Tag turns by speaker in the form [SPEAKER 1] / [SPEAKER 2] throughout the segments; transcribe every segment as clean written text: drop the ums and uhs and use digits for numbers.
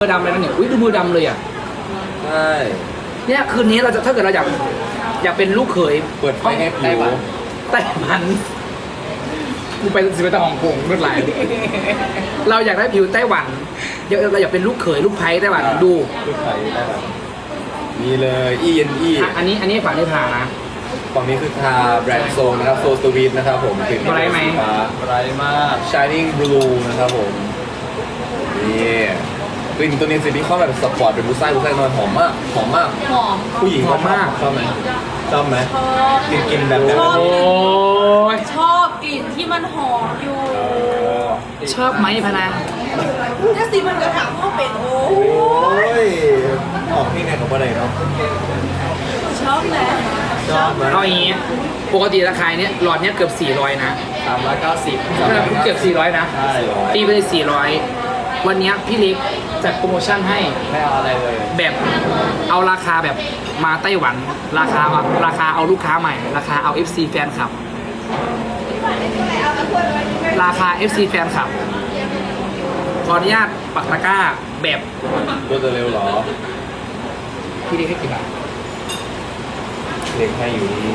[SPEAKER 1] มือดำเลยนะเนี่ยอุ้ยดูมือดำเลยอ่ะ
[SPEAKER 2] ใช่
[SPEAKER 1] เนี่ยคืนนี้เราจะถ้าเกิดเราอยากเป็นลูกเขย
[SPEAKER 2] เปิดไฟให้ผิว
[SPEAKER 1] ไต้หวันกูไปสิไปตะฮ่องกงรถไหลเราอยากได้ผิวไต้หวันเราอยากเป็นลูกเขยลูกไผ่ไต้หวันดู
[SPEAKER 2] ลูกไผ่ไต้หวันนี่เลยENE
[SPEAKER 1] อันนี้ฝั่งนี้ทานะ
[SPEAKER 2] ฝั่งนี้คือทาแบรนด์โซนนะครับโซสวีทนะครับผม
[SPEAKER 1] ถึงไรไหม
[SPEAKER 2] ไรมาก Shining Blue นะครับผมนี่กลิ่นตัวนี้สิที่เข้าแบบสปอร์ตเป็นผู้ชายนอนหอมมากหอมมากผู้หญิง
[SPEAKER 1] หอมมาก
[SPEAKER 2] ชอบไหมชอบไหมกลิ่นแบบ
[SPEAKER 3] ชอบ
[SPEAKER 1] โอ้ย
[SPEAKER 3] ชอบกลิ่นที่มันหอมอยู่
[SPEAKER 1] ชอบไหมพนัง
[SPEAKER 3] ถ้าสิมันกระถางพ่อเป็นโอ้
[SPEAKER 2] ยออกที่ไหนกับอะไรเนาะ
[SPEAKER 3] ชอบไหม
[SPEAKER 2] ชอบไหม
[SPEAKER 1] เอาอย่างงี้ปกติราคาเนี้ยหลอดเนี้ยเกือบ400นะ
[SPEAKER 2] 390
[SPEAKER 1] เกือบ400นะตีไปเลย400วันนี้พี่เล็กจัดโปรโมชั่นให้
[SPEAKER 2] ไม่เอาอะไรเลย
[SPEAKER 1] แบบเอาราคาแบบมาไต้หวันราคาเอาลูกค้าใหม่ราคาเอา FC แฟนคลับราคา FC แฟนคลับขออนุญาตปักตะกร้าแบบ
[SPEAKER 2] รวดเร็วหรอ
[SPEAKER 1] พี่เล็กให้กี่บาท
[SPEAKER 2] เล็กให้อยู่นี่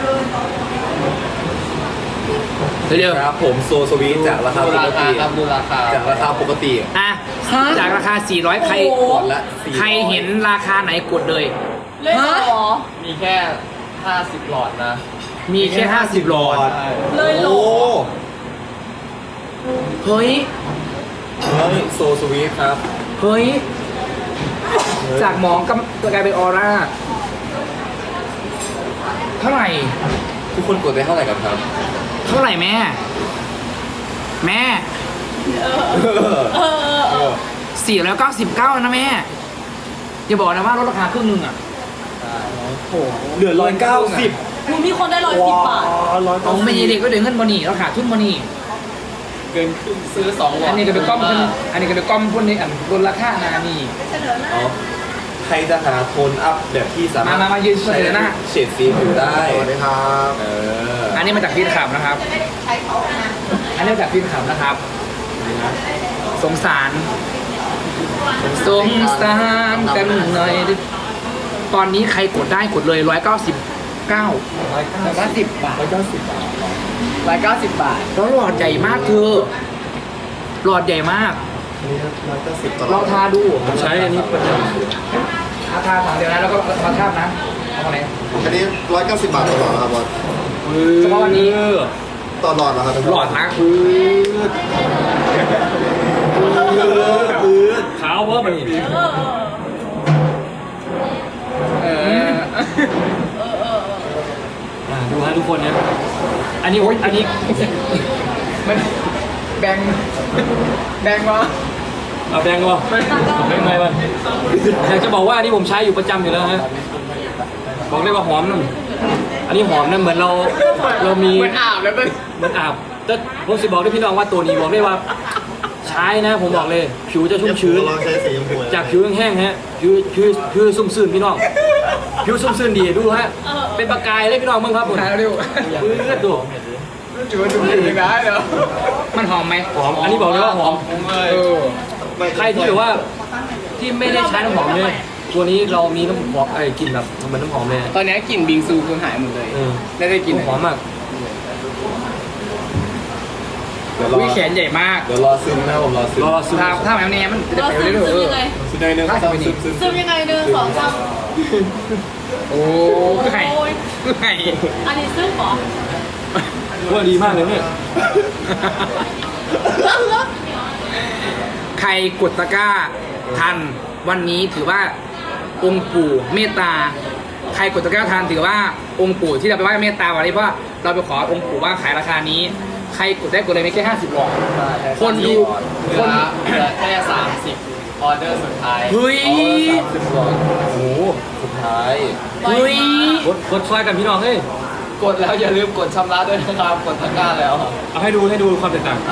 [SPEAKER 1] เร็ว
[SPEAKER 2] ครับผมโซสวีทจากราคาปกติจากราคาปกติ
[SPEAKER 1] อ่ะจากราคา400ใครเห็นราคาไหนกดเลย
[SPEAKER 3] เลยหรอ
[SPEAKER 2] มีแค่50หลอดนะ
[SPEAKER 1] มีแค่50หลอด
[SPEAKER 3] เลยหรอ
[SPEAKER 1] เฮ้ย
[SPEAKER 2] โซสวีทครับ
[SPEAKER 1] เฮ้ยจากหมองก็กลายเป็นออร่าเท่าไหร่
[SPEAKER 2] ทุกคนกดได้เท่าไหร่กันครับ
[SPEAKER 1] เท่าไหร่แม่499นะแม่อย่าบอกนะว่าลดราคาครึ่งนึงอ่ะ
[SPEAKER 2] โอ้เหลือ190
[SPEAKER 3] มึงมีคนได้110 บาท
[SPEAKER 1] เอาไม่ยีเด็กก็เดือดเงินบอนี่ราคาทุ่มบอนี่
[SPEAKER 2] เกินครึ่งซื้อ2หลอด
[SPEAKER 1] อันนี้ก็เป็นก้อมอันนี้ก็เป็นก้อมพวกนี้อันบนราคานานี่
[SPEAKER 2] ใครจะหาโทนอัพแบบที่สามารถ
[SPEAKER 1] มายืนเฉยๆนะ
[SPEAKER 2] เฉดสีผิวได้สวัสดีครับ
[SPEAKER 1] อันนี้มาจากฟีดขับนะครับอันนี้มาจากฟีดขับนะครับสงสารกันหน่อยตอนนี้ใครกดได้กดเลย199 190 บาทแล้วหลอดใหญ่มากเธอหลอดใหญ่มากเราทาดู
[SPEAKER 2] ใช้อันนี้ประจำ
[SPEAKER 1] ทาถังเดียวนะแล้วก็มาทาบนะเอาไหน
[SPEAKER 4] อันนี้190 บาทต่อหลอดครับบอส
[SPEAKER 1] เฉพาะวันนี้
[SPEAKER 4] ต่อหลอดเหรอครับ
[SPEAKER 1] หลอดนะ
[SPEAKER 2] ขาวว่ามันดูฮะทุกคนเนี่ยอันนี้
[SPEAKER 1] มันแบงวะ
[SPEAKER 2] เอาแบงวะแบงไงวะอยากจะบอกว่าอันนี้ผมใช้อยู่ประจำอยู่แล้วฮะบอกเลยว่าหอมนั่นอันนี้หอมนั่นเหมือนเรามี
[SPEAKER 1] เหมือนอาบแล้ว
[SPEAKER 2] เหมือนอาบแต่ผมสิบอกด้วยพี่น้องว่าตัวนี้บอกเลยว่าใช้นะผมบอกเลยผิวจะชุ่มชื้นจากผิวแห้งๆฮะผิวซุ่มซื่นพี่น้องผิวซุ่มซื่นดีดูฮะเป็นประกายเลยพี่น้องมึงครับผม
[SPEAKER 1] เร็ว
[SPEAKER 2] ดู
[SPEAKER 1] ได้เหรอมันหอมไหม
[SPEAKER 2] หอมอันนี้บอกเลยว่าหอมใครที่แบบว่าที่ไม่ได้ใช้น้ำหอมเลยตัวนี้เรามีน้ำหอมกลิ่นแบบเหมือนน้ำหอมเลย
[SPEAKER 1] ตอนนี้กลิ่นบิงซูคือหายหมดเลยได้กลิ่น
[SPEAKER 2] หอมมาก
[SPEAKER 1] วิแขนใหญ่มาก
[SPEAKER 2] เดี๋ยวรอซึมนะผมรอซึม
[SPEAKER 1] ถ้าแบบนี้มัน
[SPEAKER 3] จะไปเรื่อยๆ
[SPEAKER 2] ซึมยังไง
[SPEAKER 3] ซึมยังไง1 2 3
[SPEAKER 1] โอ้ไข่
[SPEAKER 3] อันนี้ซึมเหรอ
[SPEAKER 2] ว่าดีมากเลยเนี่ย
[SPEAKER 1] ใครกดตะกร้าทันวันนี้ถือว่าองค์ปู่เมตตาใครกดตะกร้าทันถือว่าองค์ปู่ที่เราไปไหว้เมตตาวันนี้เพราะเราไปขอองค์ปู่ว่าขายราคานี้ใครกดได้กดเลยไม่แค่50หลอดคนดู
[SPEAKER 2] แค่30ออเดอร์สุดท้าย
[SPEAKER 1] เฮ้ย
[SPEAKER 2] 30หลอดโอ้สุดท้าย
[SPEAKER 1] เฮ้ย
[SPEAKER 2] กดช่วยกันพี่น้องเฮ้ยกดแล้วอย่าลืมกดชำระด้วยนะครับกดตะกร้าแล้วเอาให้ดูความแตกต่าง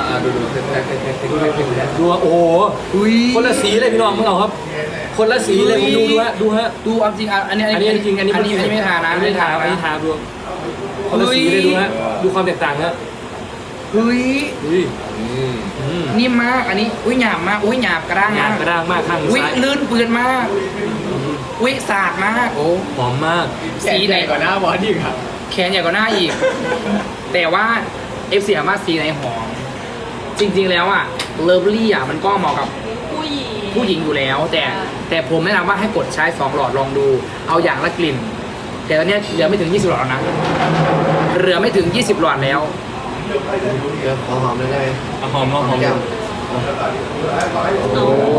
[SPEAKER 2] ดูโอ้โหคนละสีเลยพี่น้องมึงเอาครับคนละสีเลยดูฮะ
[SPEAKER 1] ดูจริงอันนี้
[SPEAKER 2] จริงอันนี้
[SPEAKER 1] ไม่ทานะ
[SPEAKER 2] ไม่ทาดูคนละสีเลยดูฮะดูความแตกต่างฮะ
[SPEAKER 1] เฮ้ย
[SPEAKER 2] อุ้ย
[SPEAKER 1] นิ่มมากอันนี้อุ้ยหยาบมากอุ้ยหยาบกระด้าง
[SPEAKER 2] งาม
[SPEAKER 1] าน ก
[SPEAKER 2] กระด้างมากข้าง
[SPEAKER 1] อุ้ย
[SPEAKER 2] ซ้าย
[SPEAKER 1] ลื่นปืนมากอุ้ยสาดมากโอ้
[SPEAKER 2] หอมมาก
[SPEAKER 1] สีไหน
[SPEAKER 5] ก่อนหน้าบอสอีกครับ
[SPEAKER 1] แขนใหญ่กว่าหน้าอีก แต่ว่า FC ถามว่าสีไหนหอม จริงๆแล้วอ่ะเลิฟลี่อ่ะมันก็เหมาะกับ
[SPEAKER 3] ผู้หญิง
[SPEAKER 1] ผู้หญิงอยู่แล้ว แต่ผมแนะนำว่าให้กดใช้ 2 หลอดลองดู เอาอย่างละกลิ่น แต่ตอนเนี้ยเหลือไม่ถึง 20 หลอดแล้วนะเหลือไม่ถึง 20 หลอดแล้ว
[SPEAKER 4] เดี๋ยวขอหอมเลยได้ไหม
[SPEAKER 2] เอาหอมลองหอม
[SPEAKER 4] แก้ม
[SPEAKER 3] โอ้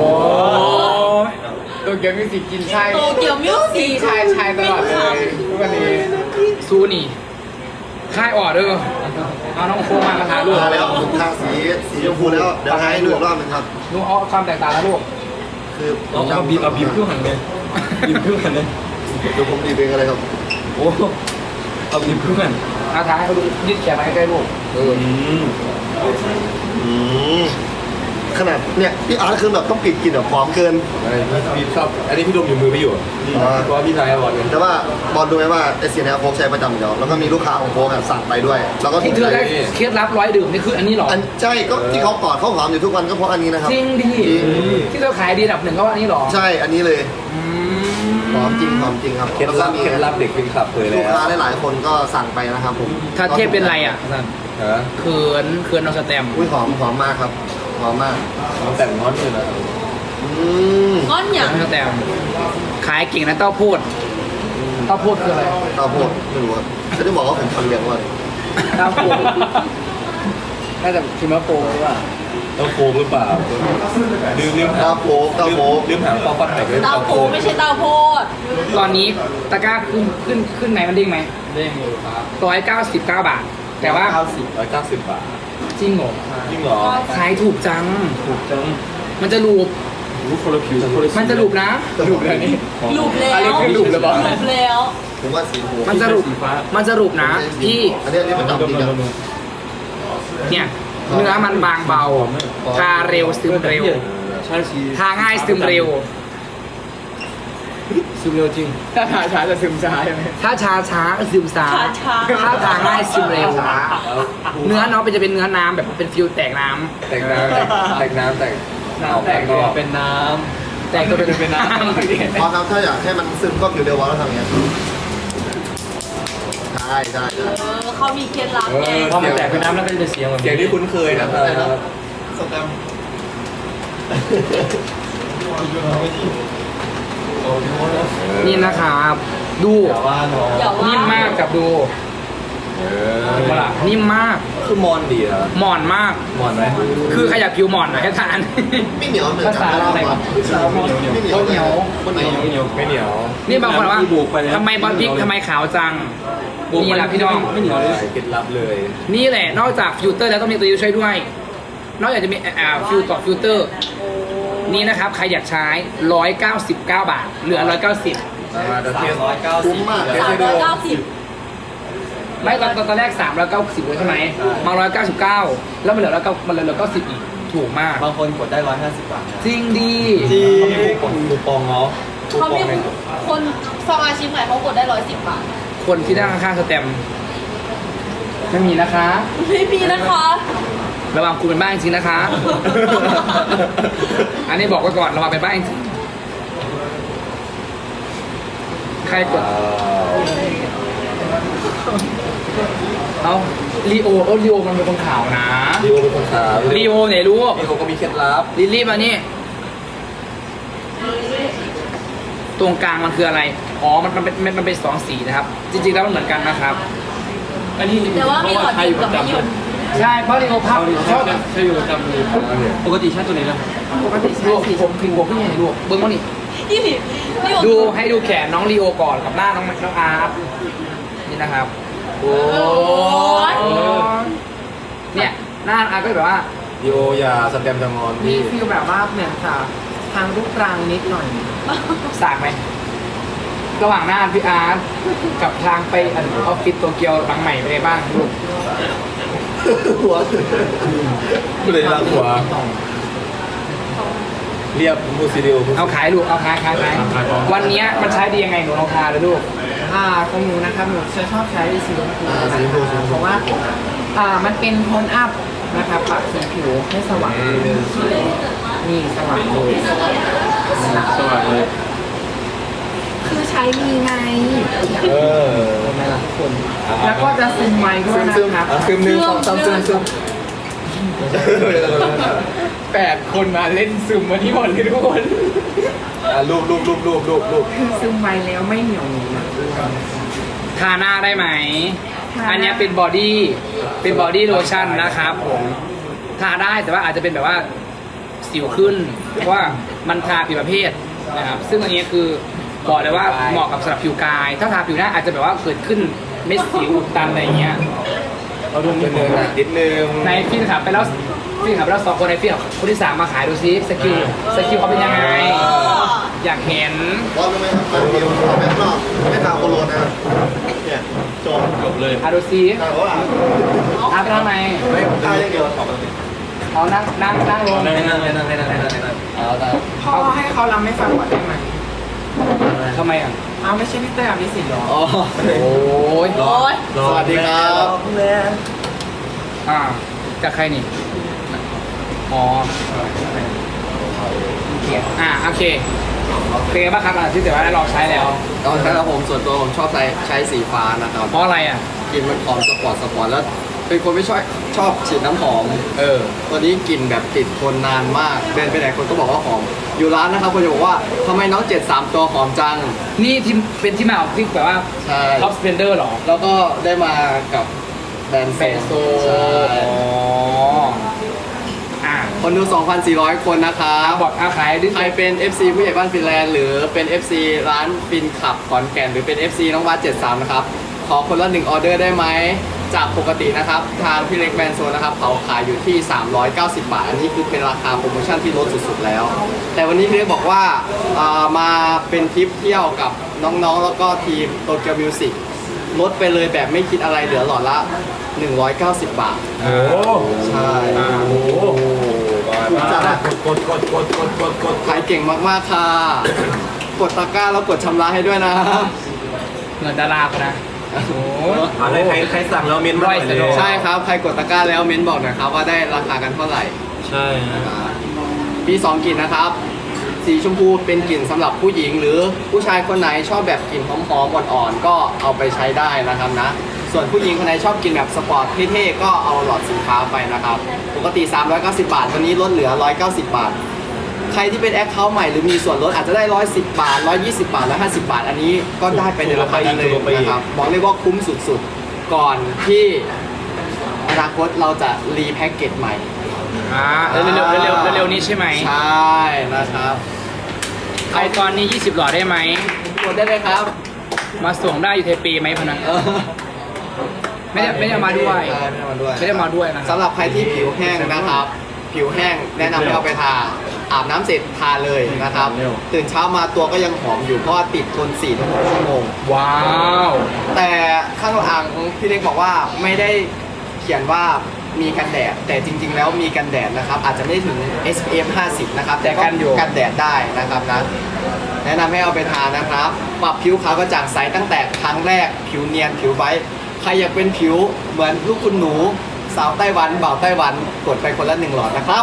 [SPEAKER 5] ตัวเกียวมิวสิกกินใช่
[SPEAKER 3] โตเกียวมิวสิก
[SPEAKER 5] ชายตลอดเลยทุกวันนี้
[SPEAKER 1] ซูนี่ค่ายออเดอร์เอาน้องโฟมามาถ่ายรูป
[SPEAKER 4] มาแล้วผมทาสีชมพูแล้วเดี๋ยวให้ดูอีกรอบหนึงครับ
[SPEAKER 1] ดูเอาความแตกต่างแล้วลูก
[SPEAKER 4] คือผ
[SPEAKER 2] เอา
[SPEAKER 4] ม
[SPEAKER 2] เอาบีบเอาบีบเครื่องหันเลยบีบเครื่องหันเลย
[SPEAKER 4] เดี๋ยวผมดีบเองอะไรครับ
[SPEAKER 2] โอ้เอาบีบเครื่องหัน
[SPEAKER 1] เอาถ่ายให้เขาดูยืดแขนมาใกล้ๆลูก
[SPEAKER 2] อืม
[SPEAKER 4] อืมขนาดเนี่ยพี่อาร์ตคือแบบต้องปิดกลิ่นแบบหอมเกิน
[SPEAKER 5] พี่ชอบอันนี้พี่ดมอยู่มือพี่อยู่เพราะว่าพี่ชายบอส
[SPEAKER 4] แต่ว่าบอลดูไหมว่าไอเสียเนี่ยโฟกใช้ประจำอยู่แล้วแล้วก็มีลูกค้าของโฟกแบบสั่งไปด้วย แล้วก็
[SPEAKER 1] ที่เธอได้เคล็ดลับร้อยดื่มนี่คืออันนี้เหรอ
[SPEAKER 4] อันใช่ก็ที่เขากอดเขาหอมอยู่ทุกวันก็เพราะอันนี้นะครับ
[SPEAKER 1] จริงดิ
[SPEAKER 4] จริง
[SPEAKER 1] ที่เธอขายดีอันดับหนึ่งก็ว่าอันนี้เหรอ
[SPEAKER 4] ใช่อันนี้เลย
[SPEAKER 1] อืม
[SPEAKER 4] หอมจริงหอมจริงครับ
[SPEAKER 5] เคล็ดลับ
[SPEAKER 4] แล้วก็มี
[SPEAKER 5] เคล็ดลับเด็กเป็นขับเผยแล้
[SPEAKER 4] ลู
[SPEAKER 5] ว
[SPEAKER 4] กค้าหลายๆคนก็สั่งไปนะครับผม
[SPEAKER 1] ถ้าเทพเป็นไรอ่ะ
[SPEAKER 5] ฮะ
[SPEAKER 1] เขินน้องสแตมป์
[SPEAKER 4] อุ้ยหอมมากครับหอมมาก
[SPEAKER 5] น้องแต่งง้อนเลยนะ
[SPEAKER 4] อืม
[SPEAKER 3] ก้อนอย่าง
[SPEAKER 1] น้องสแตมป์ขายเก่งนะเต้าโพดเต้าโพดคืออะไร
[SPEAKER 4] ข้าวโพดไม่รู้ครับจะได้บอกว่าผมคนเลี้ยงว่า
[SPEAKER 1] เต้าโพด
[SPEAKER 5] น่าจะคิมาโฟหรือเปล่าต้องโฟมหรือเปล่าลืมหา
[SPEAKER 4] ข้าวโพดข้าวโพด
[SPEAKER 5] ลืมหาฟอฟัดไหนก็
[SPEAKER 3] เตาโพไม่ใช่เตาโพด
[SPEAKER 1] ตอนนี้ตะกร้าขึ้นไหนมันดิ้งไหม
[SPEAKER 5] เด้งอยู่ครับ
[SPEAKER 1] 199 บาท แต่ว่า
[SPEAKER 5] 190 บาท
[SPEAKER 1] จริงเหรอ
[SPEAKER 5] จริงเหรอ
[SPEAKER 1] ขายถูกจัง
[SPEAKER 2] ถูกจัง
[SPEAKER 1] มันจะรูป
[SPEAKER 2] รู้คนละผิวคนละสี
[SPEAKER 1] มันจะรูปนะ
[SPEAKER 5] รูปแล้วนี่
[SPEAKER 3] ลูบแล้ว
[SPEAKER 5] อันนี้คือรูปแล้วบอก
[SPEAKER 3] ลูบแล้ว
[SPEAKER 4] ผมว่าสีหู
[SPEAKER 1] มันจะรูป
[SPEAKER 2] สีฟ้า
[SPEAKER 1] มันจะรูปนะพี่
[SPEAKER 4] อันนี้ประจำจริงครับ
[SPEAKER 1] เนี่ยเนื้อมันบางเบา ทาเร็วซึมเร็ว
[SPEAKER 2] ใช่สี
[SPEAKER 1] ทาง่ายซึมเร็ว
[SPEAKER 2] ซึมเร็วจริง
[SPEAKER 5] ถ้าทาช้าจะซึมช้าใช่ไหม
[SPEAKER 1] ถ้าช้าซึมช้า
[SPEAKER 3] ช้า
[SPEAKER 1] ถ้าทาง่ายซึมเร็ว เนื้อเนาะจะเป็นเนื้อน้ำแบบเป็นฟิลแตกน้ำ
[SPEAKER 5] แต่งน้ำแต่งน้ำแต่ง
[SPEAKER 2] แต่งตัวเป็นน้
[SPEAKER 1] แตกตัวเป็นน้
[SPEAKER 4] พอครับถ้าอยากให้มันซึมก็ผิวเดียววอลแล้วทำอย่างเงี้ยใช่
[SPEAKER 3] เขามีเคล็ดลับไง
[SPEAKER 2] ำพอมันแตกเป็นน้ำแล้วก็จะเสียงแบบ
[SPEAKER 5] เสียงที่คุ้นเคยนะครับ
[SPEAKER 4] สแตมป์
[SPEAKER 1] ำนี่นะครับ ดู
[SPEAKER 5] อย่าว่าน้อง
[SPEAKER 3] อย่าว่า
[SPEAKER 1] นิ่มมากกับดูเห็นปะล่ะนิ่มมาก
[SPEAKER 5] คือมอนดีนะ
[SPEAKER 1] หมอนมาก
[SPEAKER 5] มอนไหม
[SPEAKER 1] คือขยับผิวหมอนหน่อยให้ทาน
[SPEAKER 4] ไม่เหนียวเหมือน
[SPEAKER 1] ภาษาอะไรวะ
[SPEAKER 4] ไม่เหนียว
[SPEAKER 1] เหนียว
[SPEAKER 5] ไม่เหนียวไม่เหนียว
[SPEAKER 1] นี่บางคนว่าทำไมบอลพริกทำไมขาวจังนี่แหละพี่น้อง
[SPEAKER 2] ไม่เหนียวเลย
[SPEAKER 5] เคล็ดลับเลย
[SPEAKER 1] นี่แหละนอกจากฟิลเตอร์แล้วต้องมีตัวยูช่วยด้วย นอกจากจะมีฟิลเตอร์ นี่นะครับใครอยากใช้ 199 บาท เหลือ 190
[SPEAKER 5] เดี๋ยวเทียบ
[SPEAKER 4] คุ้มมาก
[SPEAKER 3] 390
[SPEAKER 1] ไม่ตอนแรก 390เลยใช่ไหมมา 199 แล้วมันเหลือ90อีก ถูกมาก
[SPEAKER 5] บางคนกดได้150 บาท
[SPEAKER 1] จริงดี
[SPEAKER 5] คูปองเนาะ
[SPEAKER 3] เขามีคนสมาชิกใหม่เขากดได้110 บาท
[SPEAKER 1] คนที่นั่งข้างๆสแตมป์ไม่มีนะคะ
[SPEAKER 3] ไม่มีนะคะ
[SPEAKER 1] ระวังคุณเป็นบ้าจริงๆนะคะ อันนี้บอกไว้ก่อนระวังเป็นบ้าจริงใครกด เอาลีโอมันเป็นคนข่าวนะ
[SPEAKER 5] ลีโอเป็นคนขาว
[SPEAKER 1] ลีโอไหนรู้
[SPEAKER 5] ลีโอก็มีเคล็ดลับ
[SPEAKER 1] ลิลลี่มานี่ตรงกลางมันคืออะไร อ๋อ มันเป็น2 สีนะครับ จริงๆแล้วมันเหมือนกันนะครับ
[SPEAKER 2] อันนี้
[SPEAKER 3] แต่ว่ามีหลอดหยุดกับไม่หยุด
[SPEAKER 1] ใช่เพราะลีโอพับชอบ
[SPEAKER 2] ใช่อยู่ประจำเลยปกติใช้ตัวไหนล่ะ
[SPEAKER 1] ปกติใช้สีผมพิงบวกพี่ใหญ่ดูเบิ้งมานี่
[SPEAKER 3] นี่นี่
[SPEAKER 1] ดูให้ดูแขนน้องลีโอก่อนกับหน้าน้องอาร์ตนี่นะครับ โอ้
[SPEAKER 3] ย
[SPEAKER 1] เนี่ยหน้าอาร์ตก็แบบว่า
[SPEAKER 5] ลีโออย่าสแตมป์จะงอน
[SPEAKER 6] มี
[SPEAKER 5] พี่
[SPEAKER 6] ฟีลแบบว่าเหมือนค่ะทางรูปรางนิดหน่อย
[SPEAKER 1] สากไหม ระหว่างหน้าพี่อาร์ตกับทางไปออฟฟิศโตเกียวหลังใหม่ไปนไงบ้างลูก
[SPEAKER 4] หัว
[SPEAKER 5] ไม่เลยรักหัวเรียบมูซิเดียว
[SPEAKER 1] เอาขายลูก เอาขายวันเนี้ยมันใช้ดียังไงหนูลองทาเลยลูก
[SPEAKER 6] ของหนูนะครับหนูจะชอบใช้สีชมพู
[SPEAKER 4] สีชมพู
[SPEAKER 6] เพราะว่ามันเป็นโทนอัพนะครับปรับสีผิวให้สว่างนี่สว่างเลย
[SPEAKER 2] สว่างเลย
[SPEAKER 6] คือใช้มีไง
[SPEAKER 5] เออ
[SPEAKER 6] ทำไมล่ะทุกคน แล้วก็จะซึมไวด้วยนะครับ
[SPEAKER 5] ซึมหนึ่งสองสามซึม
[SPEAKER 6] 8 คนมาเล่นซึมมาที่หมดเลยทุกคน
[SPEAKER 5] รูป
[SPEAKER 6] คือซึมไวแล้วไม่เหนียวหนึบนะ
[SPEAKER 1] ทาหน้าได้ไหม
[SPEAKER 6] ทา
[SPEAKER 1] อันเนี้ยเป็นบอดี้โลชั่นนะครับผมทาได้แต่ว่าอาจจะเป็นแบบว่าสิวขึ้น เพราะว่ามันทาผิวประเภทนะครับซึ่งอันนี้คือบอกเลยว่าเหมาะกับสำหรับผิวกาย ถ้าทาผิวหน้าอาจจะแบบว่าเกิดขึ้นเม็ดสิวอุดตันอะไรอย่างเงี้ย
[SPEAKER 2] เราดู
[SPEAKER 5] นิดนึงนิดนึง
[SPEAKER 1] ในฟินขับไปแล้ว2 คนในฟินคนที่ 3มาขายดูซิสกิลเขาเป็นยังไง อยากเห็น
[SPEAKER 4] บอสรู้ไหมครับมันมีเอาแบบนอกไม่ทาโคโรนนะครับเนี่ยจบ
[SPEAKER 2] เลย
[SPEAKER 1] อาดูซิ
[SPEAKER 4] ทาว่า
[SPEAKER 1] ทาไปทางไหน
[SPEAKER 4] ไม่ทาอย่างเดียว
[SPEAKER 1] เอานั่งลง
[SPEAKER 5] นั่งเอาแต่
[SPEAKER 6] พ่อให้เขารำให้ฟังก่อนได้ไหม
[SPEAKER 1] ทำไมอ่ะ
[SPEAKER 6] เอาไม่ใช่พี่เต้ยอภิสิทธิ์หรอ
[SPEAKER 5] อ๋อ
[SPEAKER 1] โอ้ย
[SPEAKER 4] สวัสดีครับ
[SPEAKER 1] จากใครนี่อ๋อโอเคเป็นไงบ้างครับที่แต่ว่าได้ลองใช้แล้ว
[SPEAKER 5] ตอนนั้นผมส่วนตัวผมชอบใช้สีฟ้านะครับ
[SPEAKER 1] เพราะอะไรอ่ะ
[SPEAKER 5] กลิ่นมันหอมสปอร์ตแล้วเป็นคนไม่ชอบฉีดน้ำหอมตัวนี้กลิ่นแบบติดคนนานมากเดินไปไหนคนก็บอกว่าหอมอยู่ร้านนะครับคนจะบอกว่าทำไมน้อง73ตัวหอมจัง
[SPEAKER 1] นี่ที่เป็นที่มาของที่แบบว่า
[SPEAKER 5] ใช่
[SPEAKER 1] ท็อปสเปนเดอร์หรอ
[SPEAKER 5] แล้วก็ได้มากับแบรนด์
[SPEAKER 1] เฟโซ
[SPEAKER 5] ใช่ คนดู 2,400 คนนะครับ
[SPEAKER 1] บอกขายดิ
[SPEAKER 5] ใครเป็น FC ผู้ใหญ่บ้านฟินแลนด์หรือเป็น FC ร้านฟินขับขอนแก่นหรือเป็น FC น้องวัด73 นะครับ ขอคนละ1ออเดอร์ได้ไหม จากปกตินะครับ ทางพี่เล็กแบรนด์โซนนะครับเขาขายอยู่ที่ 390 บาท อันนี้คือเป็นราคาโปรโมชั่นที่ลดสุดๆแล้ว แต่วันนี้พี่เล็กบอกว่ามาเป็นทริปเที่ยวกับน้องๆ แล้วก็ทีมโตเกียวมิวสิกลดไปเลยแบบไม่คิดอะไรเหลือหลอดละ 190 บาท
[SPEAKER 2] โอ้
[SPEAKER 5] ใช่
[SPEAKER 2] โห
[SPEAKER 4] จัด
[SPEAKER 5] กดขายเก่งมากๆค่ะ กดตะกร้าแล้วกดชำระให้ด้วยนะ
[SPEAKER 1] เงินดาราเขานะโอ้โห
[SPEAKER 2] อะไรใครสั่งแล้วเมนมาหน่อยเลย
[SPEAKER 1] ร้อย
[SPEAKER 5] ใช่ครับ ใครกดตะกร้าแล้วเม้นบอกหน่อยครับว่าได้ราคากันเท่าไหร่
[SPEAKER 2] ใช่ฮะ
[SPEAKER 5] มี2กลิ่นนะครับ สีชมพูเป็นกลิ่นสำหรับผู้หญิง หรือผู้ชายคนไหนชอบแบบกลิ่นหอมๆอ่อนๆก็เอาไปใช้ได้นะครับนะ ส่วนผู้หญิงคนไหนชอบกลิ่นแบบสปอร์ตเท่ๆก็เอาหลอดสีฟ้าไปนะครับ ปกติ 390 บาทวันนี้ลดเหลือ 190 บาท ใครที่เป็นแอคเคาท์ใหม่หรือมีส่วนลดอาจจะได้ 110 บาท 120 บาท 150 บาท อันนี้ก็ได้ไปในราคานั้นเลยนะครับบอกเลยว่าคุ้มสุดๆ ก่อนที่อนาคตเราจะรีแพ็กเกจใหม่
[SPEAKER 1] เร็วนี้ใช่ไหม
[SPEAKER 5] ใช่นะครับ
[SPEAKER 1] ใครตอนนี้ 20 หลอดได้ไหม
[SPEAKER 5] กดได้เลยครับ
[SPEAKER 1] มาส่งได้อยู่เทปีไหมพนันไม่ได้มาด้วย
[SPEAKER 5] ไม่ได้มาด้วย
[SPEAKER 1] ไม่ได้มาด้วยนะ
[SPEAKER 5] สำหรับใครที่ผิวแห้งนะครับ ผิวแห้งแนะนำให้เอาไปทาอาบน้ำเสร็จทาเลยนะครับ ตื่นเช้ามาตัวก็ยังหอมอยู่เพราะว่าติดทน 4-6 ชั่วโมง
[SPEAKER 1] ว้าว
[SPEAKER 5] แต่ข้างหลังพี่เล็กบอกว่าไม่ได้เขียนว่ามีกันแดด แต่จริงๆแล้วมีกันแดดนะครับ อาจจะไม่ถึง SPF 50 นะครับ แต่ก็กันแดดได้นะครับนะ แนะนำให้เอาไปทานะครับ ปรับผิวขาวกระจ่างใสตั้งแต่ครั้งแรก ผิวเนียนผิวไบรท์ใครอยากเป็นผิวเหมือนลูกคุณหนู สาวไต้หวันบ่าวไต้หวันกดไปคนละ1หลอดนะครับ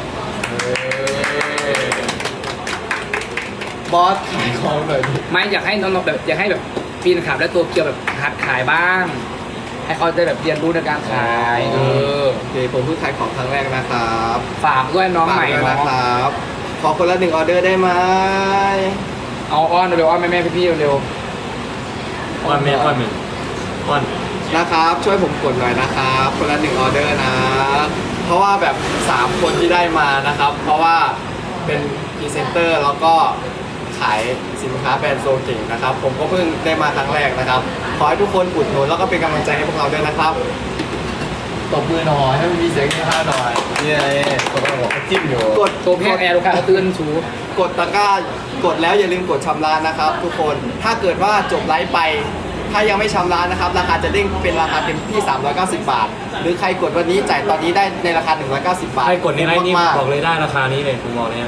[SPEAKER 5] บอสขายของหน่อยดิ
[SPEAKER 1] ไม่อยากให้น้องๆแบบอยากให้แบบปีนขับและตัวเกียวแบบหัดขายบ้าง ให้เขาได้แบบเรียนรู้ในการขาย
[SPEAKER 5] โอเคผมเพิ่งขายของครั้งแรกนะครับ
[SPEAKER 1] ฝากด้วยน้องใหม่
[SPEAKER 5] ฝากด้วย
[SPEAKER 1] เนาะ
[SPEAKER 5] นะครับ ขอคนละ1ออเดอร์ได้ไหม
[SPEAKER 1] เอาอ้อนเร็วๆอ้อนแม่ๆพี่ๆเร็ว
[SPEAKER 2] อ้อนเมนอ้อนเมนอ้อน
[SPEAKER 5] นะครับ ช่วยผมกดหน่อยนะครับ คนละ1ออเดอร์นะ เพราะว่าแบบ3คนที่ได้มานะครับ เพราะว่าเป็นพรีเซนเตอร์แล้วก็ขายสินค้าแบรนด์โซเก่งนะครับ ผมก็เพิ่งได้มาครั้งแรกนะครับ ขอให้ทุกคนอุดหนุนแล้วก็เป็นกำลังใจให้พวกเราด้วยนะครับตบมือหน่อยให้มันมีเสียงที่ห้าหน่อย
[SPEAKER 4] นี่ไงคนเราบอกจิ้มอยู่
[SPEAKER 5] กด
[SPEAKER 1] ๆโชว์เพลงแอร์ลูกค้าเขาตื่นสู
[SPEAKER 5] กดตะกร้ากดแล้วอย่าลืมกดชำระนะครับ ทุกคนถ้าเกิดว่าจบไลฟ์ไป ถ้ายังไม่ชำระนะครับ ราคาจะเด้งเป็นราคาเต็มที่ 390 บาท หรือใครกดวันนี้จ่ายตอนนี้ได้ในราคา 190 บาท
[SPEAKER 2] ใครกดในไลน์นี่
[SPEAKER 5] มากๆ
[SPEAKER 2] บอกเลยได้ราคานี้เลยผมบอกเลย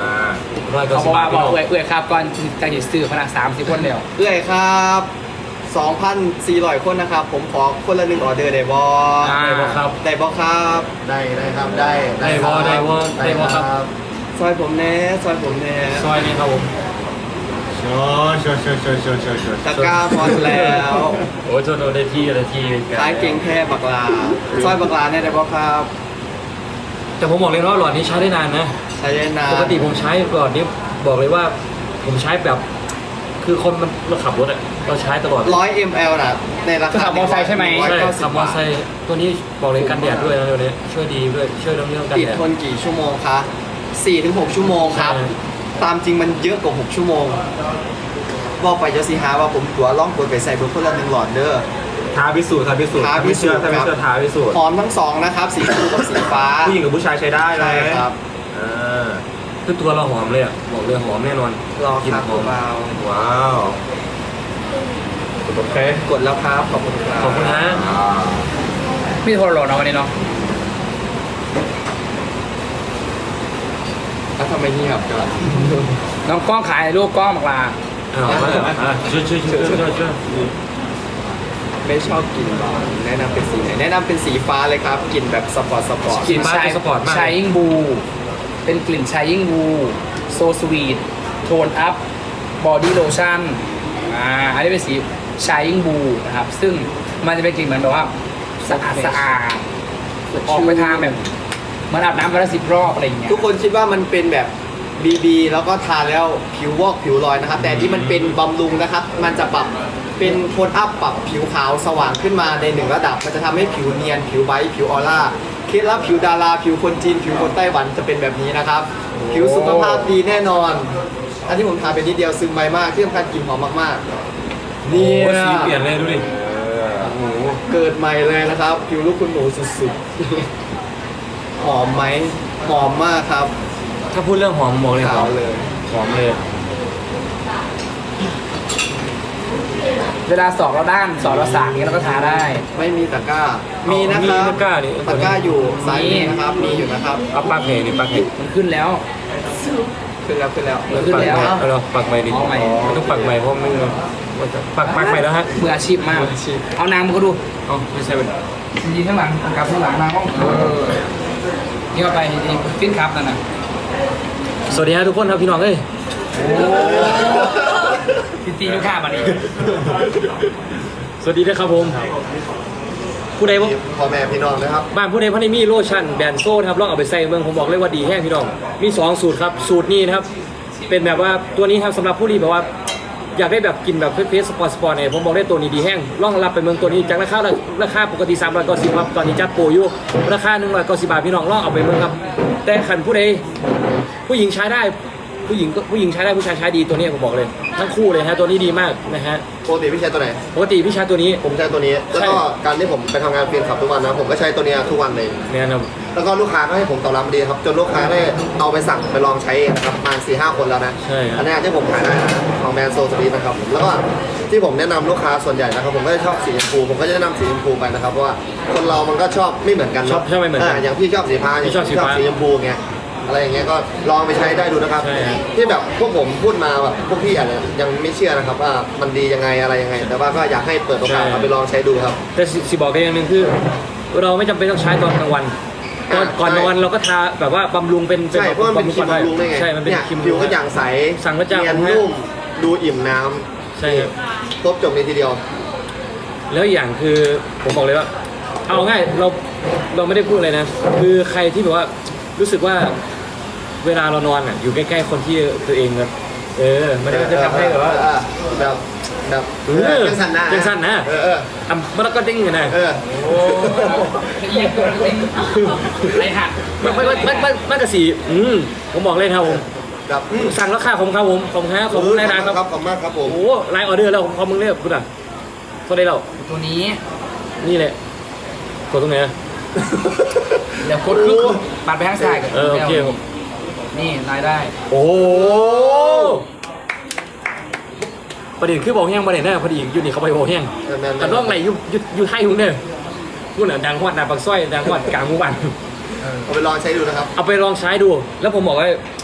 [SPEAKER 2] 190
[SPEAKER 1] เขาบอก
[SPEAKER 2] บา
[SPEAKER 1] ว่า
[SPEAKER 2] ท
[SPEAKER 1] บอกเอื่อยครับก่อนจะหยิบซื้อพนัก30 คนเดียว
[SPEAKER 5] เอื้อยครับ 2,400 คนนะครับ ผมขอคนละ1ออเดอร์ได้บ่
[SPEAKER 2] ได้บ่ครับ
[SPEAKER 5] ได้บ่ครับ
[SPEAKER 4] ได้ครับได้
[SPEAKER 2] ได้บ่ครับ
[SPEAKER 5] ซอยผมแน่ซอยผมแน่
[SPEAKER 2] ซอยนี้ครับผม
[SPEAKER 5] ตะกร้าพอแล้ว
[SPEAKER 2] โอ้ยโทษได้ที่อะไรที่
[SPEAKER 5] ขายเก่งแค่บักลาซอยบักลาเนี่ยได้บ่ครับ
[SPEAKER 2] แต่ผมบอกเลยว่าหลอดนี้ใช้ได้นานนะ
[SPEAKER 5] ใช้ได้นาน
[SPEAKER 2] ปกติผมใช้หลอดนี้บอกเลยว่าผมใช้แบบ คือคนมันเราขับรถอะเราใช้ตลอด
[SPEAKER 5] 100 ml น่ะในรา
[SPEAKER 1] คือ
[SPEAKER 5] คา
[SPEAKER 1] ขับมอเตอร์ไซค์ใช่ไหม
[SPEAKER 2] ใช่
[SPEAKER 5] 190
[SPEAKER 2] ขับมอเตอร์ไซค์ตัวนี้บอกเลยกันแดดด้วยนะเดี๋ยวนี้ช่วยดีด้วยช่วยเรื่องกัน
[SPEAKER 5] ติด
[SPEAKER 2] แดด
[SPEAKER 5] ทนกี่ชั่วโมงคะ4-6 ชั่วโมงครับ
[SPEAKER 2] ใช่
[SPEAKER 5] ตามจริงมันเยอะกว่า 6 ชั่วโมง บอกไปจะสิหาว่าผมตัวล่องตัวไปใส่เบอร์คนละ1 หลอดเด้อ
[SPEAKER 7] ท้าพิสูจน์ท้าพิสูจน์
[SPEAKER 5] ท้าพิสูจน์
[SPEAKER 7] ถ้าไม่เชื่อท้าพิสูจน์
[SPEAKER 5] หอมทั้งสองนะครับ สีชมพูกับสีฟ้า
[SPEAKER 7] ผู้หญิงกับผู้ชายใช้ได้เล
[SPEAKER 5] ใช่
[SPEAKER 7] ย
[SPEAKER 5] ครับ
[SPEAKER 7] อ่า
[SPEAKER 2] คือตัวเราหอมเลยอะบอกเลยหอมแน่นอน
[SPEAKER 5] รอ
[SPEAKER 2] กิน
[SPEAKER 5] ครับ
[SPEAKER 2] หอม
[SPEAKER 5] เบา
[SPEAKER 7] ว้าวโอเค
[SPEAKER 5] ๆกดแล้วครับ ขอบคุณครับ
[SPEAKER 2] ขอบคุณนะ
[SPEAKER 1] มีโทรโหลดเนาะวันนี้เนาะ
[SPEAKER 5] แล้วทำไมเงียบกัน
[SPEAKER 1] น้องกล้องขายรูปกล้องบักลา
[SPEAKER 2] อ้าวช่วย
[SPEAKER 5] ไม่ชอบกลิ่นบานแนะนำเป็นสีไหนแนะนำเป็นสีฟ้าเลยครับกลิ่นแบบสปอร์ต
[SPEAKER 1] กลิ่นชาย
[SPEAKER 2] สปอร์ตมาก
[SPEAKER 1] ชายยิ่งบู เป็นกลิ่นชายยิ่งบูโซสวีทโทนอัพบอดี้โลชั่นอันนี้เป็นสีชายยิ่งบูนะครับ ซึ่งมันจะเป็นกลิ่นเหมือนแบบว่าสะอาดสะอาดออกไปทางแบบเหมือนอาบน้ำวันละ10 รอบอะไรอย่างเงี้ย
[SPEAKER 5] ทุกคนคิดว่ามันเป็นแบบBB แล้วก็ทาแล้วผิววอกผิวลอยนะครับ แต่ที่มันเป็นบำรุงนะครับ มันจะปรับเป็นโทนอัพปรับผิวขาวสว่างขึ้นมาใน1 ระดับ มันจะทำให้ผิวเนียนผิวไบรท์ผิวออร่าเคล็ดลับผิวดาราผิวคนจีนผิวคนไต้หวันจะเป็นแบบนี้นะครับ ผิวสุขภาพดีแน่นอน อันที่ผมทาเป็นนิดเดียวซึมไวมากที่สำคัญกลิ่นหอมมากๆ
[SPEAKER 2] นี่
[SPEAKER 5] เนี่ย
[SPEAKER 2] สีเปลี่ยนเลยดูดิ
[SPEAKER 5] โอ้โหเกิดใหม่เลยนะครับ ผิวลูกคุณหนูสุดๆ หอมไหมหอมมากครับ
[SPEAKER 2] ถ้าพูดเรื่องหอมบอกเลยห
[SPEAKER 5] ขา
[SPEAKER 2] อ
[SPEAKER 5] ว
[SPEAKER 2] ม
[SPEAKER 5] เลย
[SPEAKER 2] หอมเลย
[SPEAKER 1] เวลาสอบเราด้านสอบเราสากนี้เราก็ทาได้
[SPEAKER 5] ไม่มีตะกร้า มีนะครับ
[SPEAKER 2] มีตะกร้านี่
[SPEAKER 5] ตะกร้าอยู่ซ้ายมือนะครับ มีอยู่นะครับ
[SPEAKER 2] เอาปักเหนี่ปักเห
[SPEAKER 1] มันขึ้นแล้ว
[SPEAKER 5] ขึ้นแล้วขึ้นแล้ว
[SPEAKER 1] ขึ้นแล้ว
[SPEAKER 2] เอาเราปักใหม่ดิ
[SPEAKER 1] เอาใหม่
[SPEAKER 2] มันต้องปักใหม่เพราะไม่งั้นมันจะปักใหม่แล้วฮะ
[SPEAKER 1] มืออาชีพมาก เอานางมาก็ดู
[SPEAKER 2] เอาไม่ใช่เป็น
[SPEAKER 1] ยืนข้างหลังกับข้างหลังนางก็นี่ก็ไปนี่ฟินครับนั่นน่ะ
[SPEAKER 2] สวัสดีฮะทุกคนครับพี่น้องเอ้ย
[SPEAKER 1] พี่ตีลูกค้ามาดิ
[SPEAKER 2] สวัสดีนะครับผม ผู้ใดว่า
[SPEAKER 4] พ่อแม่พี่น้องนะครับ
[SPEAKER 2] บ้านผู้ใดพันธุ์มีโลชั่นแบรนด์โซ่นะครับลองเอาไปใส่เมืองผมบอกเลยว่าดีแห้งพี่น้องมี2สูตรครับสูตรนี้นะครับเป็นแบบว่าตัวนี้ครับสำหรับผู้ที่แบบว่าอยากได้แบบกินแบบเฟสสปอร์ตเนี่ยผมบอกได้ตัวนี้ดีแห้งลองรับไปเมืองตัวนี้จากราคาปกติ390ครับตอนนี้จัดโปรอยู่ราคา190 บาทพี่น้องลองเอาไปเมืองครับแต่ขันผู้ใดผู้หญิงใช้ได้ผู้หญิงใช้ได้ผู้ชายใช้ดีตัวนี้ผมบอกเลยทั้งคู่เลยฮะตัวนี้ดีมากนะฮะ
[SPEAKER 4] ปกติพี่ใช้ตัวไหน
[SPEAKER 2] ปกติพี่ใช้ตัวนี้
[SPEAKER 4] ผมใช้ตัวนี้ แล้วก็การที่ผมไปทำงานเปลี่ยนขับทุกวันนะ ผมก็ใช้ตัวเนี้ยทุกวันเลย
[SPEAKER 2] เนี่ยนะ
[SPEAKER 4] แล้วก็ลูกค้าก็ให้ผมตอบรับดีครับ จนลูกค้าได้เอาไปสั่งไปลองใช้เองนะครับประมาณ4-5 คนแล้วนะ
[SPEAKER 2] ใช่ครับ
[SPEAKER 4] อันนี้ที่ผมขายได้นะของแบรนด์โซสวีทนะครับผมแล้วก็ที่ผมแนะนำลูกค้าส่วนใหญ่นะครับผมก็จะชอบสีชมพูผมก็จะแนะนำสีชมพูไปนะครับเพราะว่าคนเรามันก็ชอบไม่เหมือนกันเน
[SPEAKER 2] ชอ
[SPEAKER 4] อะ
[SPEAKER 2] บไม่เหมือนกัน
[SPEAKER 4] อย่างพี่ชอบสีฟ้าอย่าง
[SPEAKER 2] พี่ชอบสีฟ้า
[SPEAKER 4] สีชมพูไงอะไรอย่างเงี้ยก็ลองไปใช้ได้ดูนะครับ
[SPEAKER 2] ใช่ครับ
[SPEAKER 4] ที่แบบพวกผมพูดมาแบบพวกพี่อาจจะยังไม่เชื่อนะครับว่ามันดียังไงอะไรยังไง แต่ว่าก็อยากให้เปิดโอกาสเอาไปลองใช้ดูครับ
[SPEAKER 2] แต่สิบอกได้อย่างหนึงคือ เราไม่จำเป็นต้องใช้ตอนกลางวันก่อนนอนเราก็ทาแบบว่าบำรุงเป็น
[SPEAKER 4] ใช่เพราะมันเป็นครีมบำรุงได้ไง
[SPEAKER 2] ใช่มันเป็น
[SPEAKER 4] ย
[SPEAKER 2] ครีม
[SPEAKER 4] ผิวก็อย่างใส
[SPEAKER 2] สั่งพระเจ้า
[SPEAKER 4] เนียน
[SPEAKER 2] ของแท้
[SPEAKER 4] นุ่มดูอิ่มน้ำ
[SPEAKER 2] ใช่ครับ
[SPEAKER 4] ครบจบในทีเดียว
[SPEAKER 2] แล้วอย่างคือผมบอกเลยว่า เอาง่ายเราไม่ได้พูดอะไรนะ คือใครที่แบบว่ารู้สึกว่าเวลาเรานอนอ่ะอยู่ใกล้ๆคนที่ตัวเองแบบมันก็จะทำให้แบบว่า
[SPEAKER 4] แบบแบบ
[SPEAKER 2] เออ
[SPEAKER 4] จังสันนะ
[SPEAKER 2] จังสันนะ
[SPEAKER 4] เออ
[SPEAKER 2] มันก็ดิ้งกันนะ
[SPEAKER 4] เออ
[SPEAKER 1] โอ้เอียงตัวเองไรหัก
[SPEAKER 2] มันกระสีผมบอกเลยครับผม
[SPEAKER 4] แบบ
[SPEAKER 2] สั่งแล้วค่ะผมครับผมขอบคุณครับขอบคุณนายนะครับ
[SPEAKER 4] ขอบคุณมากครับผม
[SPEAKER 2] โอ้ไลน์ออเดอร์แล้วผมขอบมึงเลยคุณอ่ะเท่าไรเรา
[SPEAKER 1] ตัวนี้
[SPEAKER 2] นี่แหละกดตรงไหนอะ
[SPEAKER 1] เดี๋ยวกดคือปัดไปข้างซ้ายกับ
[SPEAKER 2] โอเคผม
[SPEAKER 1] นี่รายได้
[SPEAKER 2] โอ้ประเด็นคือบอกแห้งประเด็นนะพอดีอยู่นี่เขาไปบอกแห้งแต่น้องไหนอยู่ไทยคุณเนี่ยคุณอ่ะดังฮอดนาปักสร้อยดังฮอดกลางหมู่บ้าน
[SPEAKER 4] เอาไปลองใช้ดูนะครับ
[SPEAKER 2] เอาไปลองใช้ดู แล้วผมบอกว่า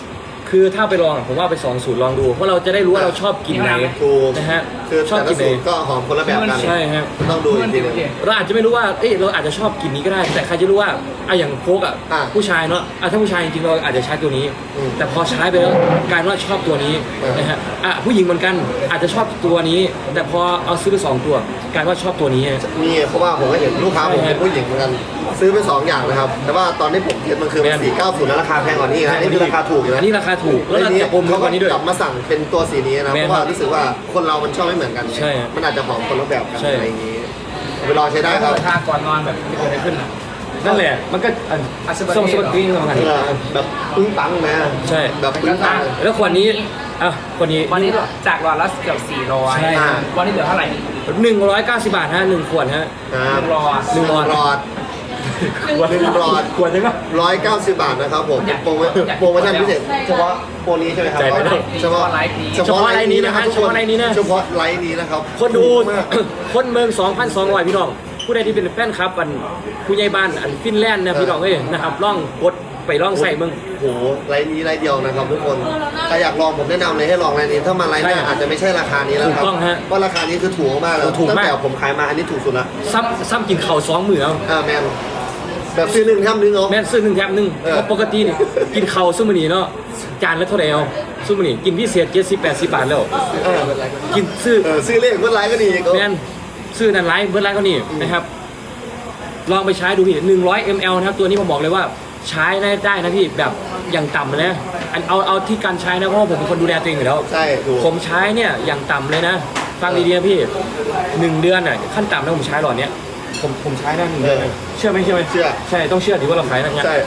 [SPEAKER 2] คือถ้าไปลองผมว่าไป2 สูตรลองดู เพราะเราจะได้รู้ว่าเราชอบกลิ่นไหน
[SPEAKER 4] ถูก
[SPEAKER 2] นะฮะ
[SPEAKER 4] คือ
[SPEAKER 2] ชอบ
[SPEAKER 4] แต่
[SPEAKER 2] ก
[SPEAKER 4] ละ
[SPEAKER 2] ลิ่นไหน
[SPEAKER 4] สูตรก็หอมคนละแบบกัน
[SPEAKER 2] ใช่ฮะ
[SPEAKER 4] ต้องดูอีกทีหนึง
[SPEAKER 2] เราอาจจะไม่รู้ว่าเราอาจจะชอบกลิ่นนี้ก็ได้ แต่ใครจะรู้ว่าอย่างโฟกผู้ชายเนาะถ้าผู้ชายจริงๆเราอาจจะใช้ตัวนี้
[SPEAKER 4] อืม
[SPEAKER 2] แต่พอใช้ไปแล้วกลายเป็นว่าชอบตัวนี้
[SPEAKER 4] เออ
[SPEAKER 2] นะฮะผู้หญิงเหมือนกันอาจจะชอบตัวนี้ แต่พอเอาซื้อไป2 ตัวกลายเป็นว่าชอบตัวนี้
[SPEAKER 4] มีเพราะว่าผมก็เห็นลูกค้าผมเป็นผู้หญิงเหมือนกันซื้อไป2 อย่างนะครับ แต่ว่าตอนที่ผมเทียบมันคือ
[SPEAKER 2] แม่น
[SPEAKER 4] 490แล้วราคาแพงกว่านี้นะนี่คือราคาถูกอยู่นะ
[SPEAKER 2] อันนี้ราคาถูกแล้ว
[SPEAKER 4] ใน
[SPEAKER 2] เรา
[SPEAKER 4] นี้
[SPEAKER 2] จะปม
[SPEAKER 4] เขา
[SPEAKER 2] กว่านี้ด้วย
[SPEAKER 4] กลับมาสั่งเป็นตัวสีนี้นะ
[SPEAKER 2] แม่
[SPEAKER 4] เพ
[SPEAKER 2] น
[SPEAKER 4] ราะว่ารู้สึกว่าคนเรามันชอบไม่เหมือนกัน
[SPEAKER 2] ใช่
[SPEAKER 4] มันอาจจะหอมคนละแบบกัน
[SPEAKER 2] ใช่
[SPEAKER 4] อะไรอย่างนี้เอาไปลองใช้ได้ครับ
[SPEAKER 1] ทาก่อนนอนแบบไม่เกิดอะไรขึ้นอ่ะ
[SPEAKER 2] นั่นแหละมันก็
[SPEAKER 1] อัศบะ
[SPEAKER 2] ส่งสปอร์ตติ้งสำคัญ
[SPEAKER 4] แบบปึ้งปังนะ
[SPEAKER 2] ใช่
[SPEAKER 4] แบบปึ้งปังเลย
[SPEAKER 2] แล้วขวดนี้ขวดนี้
[SPEAKER 1] วันนี้จากหลอดละเกือบ
[SPEAKER 2] ใช่
[SPEAKER 1] 400วันนี้เหลือเท่าไหร่
[SPEAKER 2] 190 บาทฮะ1 ขวดฮะ
[SPEAKER 4] ครับ
[SPEAKER 1] รอ
[SPEAKER 2] หนึ่งหลอด
[SPEAKER 4] หลอด หนึ่งหลอด
[SPEAKER 2] ขวดยังไง
[SPEAKER 4] 190 บาทนะครับผมโปรโมชั่นพิเศษเฉพาะโปรนี้ใช่ไหมครับ
[SPEAKER 2] จ่ายไม่ได้
[SPEAKER 4] เฉพาะ
[SPEAKER 1] ไลฟ์นี้
[SPEAKER 4] เฉพาะไลน์นี้นะครับ
[SPEAKER 2] เฉพาะไลน์นี้นะ
[SPEAKER 4] เฉพาะไลน์นี้นะครับ
[SPEAKER 2] คนดู
[SPEAKER 4] ถูกมาก
[SPEAKER 2] คนเมือง 2,200 พี่น้อง ผู้ใดที่เป็นแฟนคลับผู้ใหญ่บ้านฟินแลนด์นะพี่น้องเอ้ยนะครับล่องกดไปล่องใส่เมือง
[SPEAKER 4] โอ้โหไลน์นี้ไลน์เดียวนะครับทุกคนใครอยากลองผมแนะนำเลยให้ลองไลน์นี้ถ้ามาไลน์หน้า
[SPEAKER 2] ใช่
[SPEAKER 4] อาจจะไม่ใช่ราคานี้แล้วครับ
[SPEAKER 2] ถูกต้องฮะ
[SPEAKER 4] เพราะราคานี้คือถูกมากแล้ว
[SPEAKER 2] ถูก
[SPEAKER 4] ตั้ง
[SPEAKER 2] มาก
[SPEAKER 4] แต่ผมขายมาอันนี้ถูกสุดละ
[SPEAKER 2] ซ้ำกินเข่าว2 มื้อเอา
[SPEAKER 4] แมนแบบซื้อ1 แถม 1เนาะ
[SPEAKER 2] แม่นซื้อ1 แถม 1
[SPEAKER 4] เออ
[SPEAKER 2] เพราะปกตินี่กินเข่าวซุมื้อนี้เนาะจานละเท่าไหร่เอาซุมื้อนี้กินพิเศษ70-80 บาทแล้ว
[SPEAKER 4] เออ
[SPEAKER 2] กินซื้อ
[SPEAKER 4] ซื้อเลขเมื่อไลน์ก็ดีก็
[SPEAKER 2] แม่นซื้อนั่นไลฟ์เบิร์ดไลฟ์เขานี่นะครับ ลองไปใช้ดูพี่100 ml นะครับตัวนี้ผมบอกเลยว่าใช้ได้นะพี่แบบอย่างต่ำนะเอาที่การใช้นะเพราะว่าผมเป็นคนดูแลตัวเองอยู่แล้ว
[SPEAKER 4] ใช่ถูก
[SPEAKER 2] ผมใช้เนี่ยอย่างต่ำเลยนะฟังดีๆนะพี่1 เดือนน่ะขั้นต่ำนะผมใช้หลอดเนี้ยผมใช้ได้1 เดือนเลยเชื่อไหม
[SPEAKER 4] เชื่อ
[SPEAKER 2] ใช่ต้องเชื่อถือว่าเราขายนะเนี่ย
[SPEAKER 4] ใช่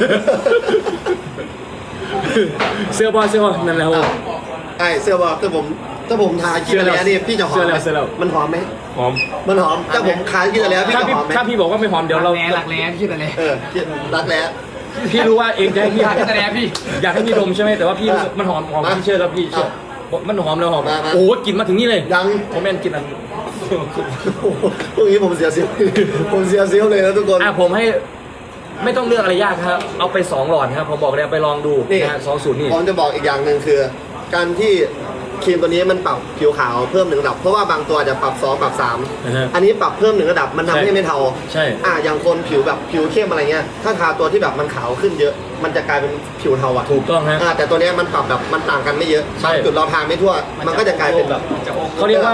[SPEAKER 2] เสื้อบอลนั่นแหละครับผม
[SPEAKER 4] ไอ้เสื้อบอกถ้าผมทากินแล้วนี่พี่จะหอมไหม
[SPEAKER 2] เสื้อแล้ว
[SPEAKER 4] มันหอมไหม
[SPEAKER 2] หอม
[SPEAKER 4] มันหอมถ้าผมขายกินแล้วพี่
[SPEAKER 2] ถ้า
[SPEAKER 4] จะ
[SPEAKER 2] พี่
[SPEAKER 4] หอมไหม
[SPEAKER 2] ถ้าพี่บอกว่าไม่หอมเดี๋ยวเรา
[SPEAKER 1] หลักแร้คิดอะไร
[SPEAKER 4] รักแร้
[SPEAKER 2] พี่รู้ว่าเองจะให้พี่
[SPEAKER 1] อยากให้แสดงพี่
[SPEAKER 2] อยากให้พี่ดมใช่ไหมแต่ว่าพี่มันหอมพี่เชื่อแล้วพี่เชื่อมันหอมแล้วหอมโอ้โหกลิ่นมาถึงนี่เลย
[SPEAKER 4] ยัง
[SPEAKER 2] ผมแม่นกลิ่นอัน
[SPEAKER 4] พวกนี้ผมเสียเซลล์ผมเสียเซลล์เลยนะทุกคน
[SPEAKER 2] ผมให้ไม่ต้องเลือกอะไรยากครับเอาไป2 หลอดครับผมบอกเลยเอาไปลองดู
[SPEAKER 4] นี่
[SPEAKER 2] นะฮะ2 สูตรนี่
[SPEAKER 4] ผมจะบอกอีกอย่างหนึ่งคือ การที่ครีมตัวนี้มันปรับผิวขาวเพิ่ม1 ระดับเพราะว่าบางตัวจะปรับ2ปรับ
[SPEAKER 2] นะฮะ
[SPEAKER 4] 3อันนี้ปรับเพิ่ม1 ระดับมันทำให้ไม่เทา
[SPEAKER 2] ใช่
[SPEAKER 4] อย่างคนผิวแบบผิวเข้มอะไรเงี้ยถ้าทาตัวที่แบบมันขาวขึ้นเยอะ มันจะกลายเป็นผิวเทาอ่ะ
[SPEAKER 2] ถูกต้องฮะ
[SPEAKER 4] แต่ตัวเนี้ยมันปรับแบบมันต่างกันไม่เยอะ
[SPEAKER 2] ใช่
[SPEAKER 4] บางจุดเราทาไม่ทั่ว มันก็จะกลายเป็นแบบ
[SPEAKER 2] เขาเรียกว่า